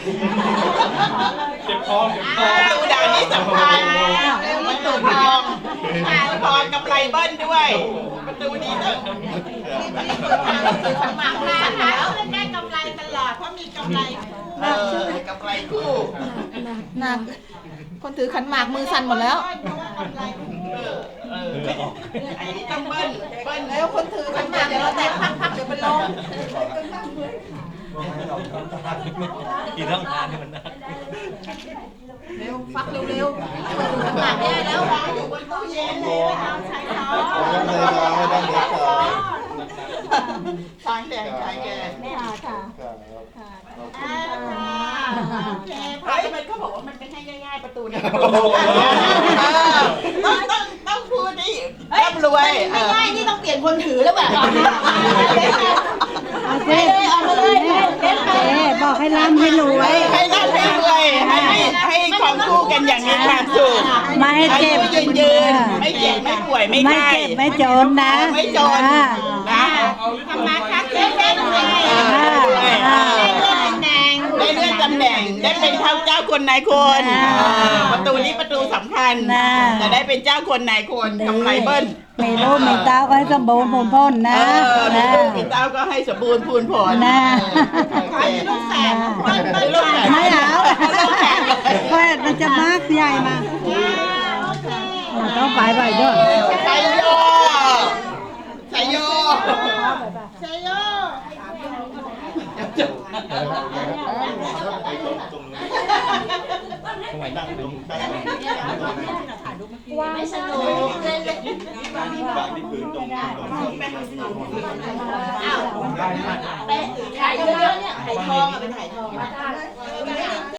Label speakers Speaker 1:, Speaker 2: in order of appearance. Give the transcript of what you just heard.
Speaker 1: เก็บทอง
Speaker 2: ประตูด่านนี้สำคัญประตูทองทองกำไรเบิ้ลด้วยประตูนี้ต้องสมัครมาแล้วได้กำไรตลอดเพราะมีกำไรกำไรคู่
Speaker 3: หนักคนถือขันหมากมือสั่นหมดแล้ว
Speaker 2: อันนี้ต้องเบิ้ล
Speaker 3: แล้วคนถือขันหมากเดี๋ยวเราแตกพักๆเดี๋ยวเป็นลม
Speaker 1: อีกต้องทานให้มันนะ
Speaker 3: เร็วฟักเร็วๆขันหมากแย่แล้ววางอยู่บนตู้เย็นเลยเอาใช้ช้อนช้อนแดงใช้แกค่ะโอเคพอมันเขาบอกว่ามันเป็นให้ง่ายๆประตูเนี่ยต้องพูดดิร่ำรวยไม่ง่ายนี่ต้องเปลี่ยนคนถือแล้วแบบไปเลยเอามาเลย
Speaker 4: บอกให้ร่ำให้รวย
Speaker 2: ให้ร่ำให้รวยให้ของคู่กันอย่างมีความสุข
Speaker 4: ไม่ให้เจ็บ
Speaker 2: ยืนไม่เจ็บไม่ป่วยไม่ไข้
Speaker 4: ไม่เจ็บไม่จนนะ
Speaker 2: ไม่จนนะทำมาค้าขายได้รวยได้เลื่อนตำแหน่งได้เป็นเจ้าคนนายคนประตูนี้ประตูสำคัญจะได้เป็นเจ้าคนนายคนกำไรเบิ้ล
Speaker 4: มีลูกมีเต้าก็ให้สมบูรณ์พูนพ้นนะ
Speaker 2: มีเต้าก็ให้สมบูรณ์พูนผล
Speaker 4: นะ
Speaker 2: ลูกแฝด
Speaker 4: ไม่เอาแฝดมันจะมากใหญ่มาต้องไปด้วย
Speaker 2: ใช่โยใช่โยใช่โย
Speaker 3: ไม่สนุกเล่นไปถ่ายเยอะๆเนี่ยถ่ายทองเป็นถ่ายทอง